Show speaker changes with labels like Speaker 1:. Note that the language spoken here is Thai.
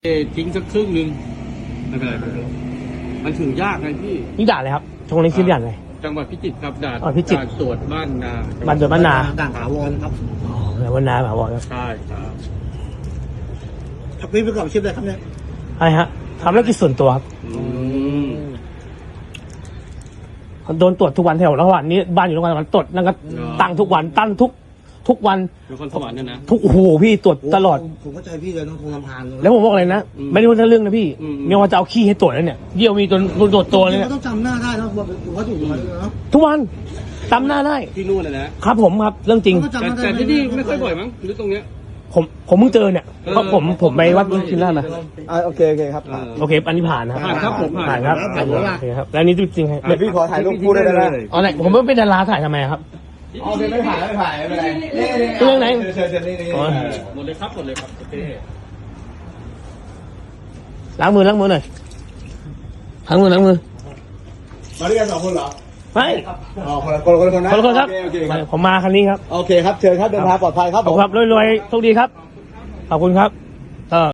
Speaker 1: ทิ้งสักครึ่งนึงไม่เป็นไรมันถึงยากไงพี่
Speaker 2: นี่ด่านเลยครับตรงนี้ชื่อด่านอะไร
Speaker 1: จังหวัดพิจิตรครับด่าน
Speaker 2: พิจิตร
Speaker 1: ตรวจบ้านนา
Speaker 2: บ้านตรวจบ้านนา
Speaker 3: ด่านถาวรครับ
Speaker 2: อ๋อแล้วบ้านนาถาวรครับ
Speaker 1: ใช่ครับ
Speaker 3: พี่ประกอบอาชีพอะไรครับเนี่ย
Speaker 2: ใช่ฮะทำธุรกิจส่วนตัวครับโดนตรวจทุกวันแถวระหว่างนี้บ้านอยู่ระหว่างตรวจนั่นก็ตั้งทุกวันตั้งทุกวัน
Speaker 1: นครสวรรค์เนี่ยนะ
Speaker 2: ทุกโอ้โหพี่ตรวจตลอด
Speaker 3: ผมเข้าใจพี่เลยต้องคงลำพาน
Speaker 2: แล้วผมบอกเลยนะไม่ได้พูดเรื่องนะพี่เมียว่าจะเอาขี้ให้ตรวจแล้วเนี่ยเยี่ยวมีตรวจตัวเลยเนี่ย
Speaker 3: ต้องจำหน้าได้นะว่าอยู่มาเนาะ
Speaker 2: ทุกวันจำหน้าได้
Speaker 1: ที่นู่นนะครับ
Speaker 2: ผมครับเรื่องจริง
Speaker 1: แต่ที่นี่ไม่ค่อยบ่อยมั้งหรือตรงเนี้ย
Speaker 2: ผมเพิ่งเจอเนี่ยเพราะผมไปวัดชินราชมา
Speaker 3: โอเคครับ
Speaker 2: โอเคอันนี้ผ่านนะ
Speaker 1: ผ่านครับผมผ่าน
Speaker 2: ครับโอเคครับแล้วนี่จริงๆ
Speaker 3: พี่ขอถ่ายรูปคู่ได้ไหม
Speaker 2: อ๋อไหนผมไม่เป็นดาราถ่ายทำไมครับ
Speaker 3: อ๋อไม่ผ่านไม่เป็นไร
Speaker 2: เรื่องไหน
Speaker 3: เชิญนี่
Speaker 1: หมดเลยครับโอเค
Speaker 2: ล้างมือหน่อยล้างมือ
Speaker 3: มาด้วยกัน2 คนเหรอ
Speaker 2: ไม่
Speaker 3: อ๋อคน
Speaker 2: ครับผมมาคันนี้ครับ
Speaker 3: โอเคครับเชิญครับเดินทางปลอดภัยครับ
Speaker 2: ขอบคุณครับรวยๆโชคดีครับขอบคุณครับ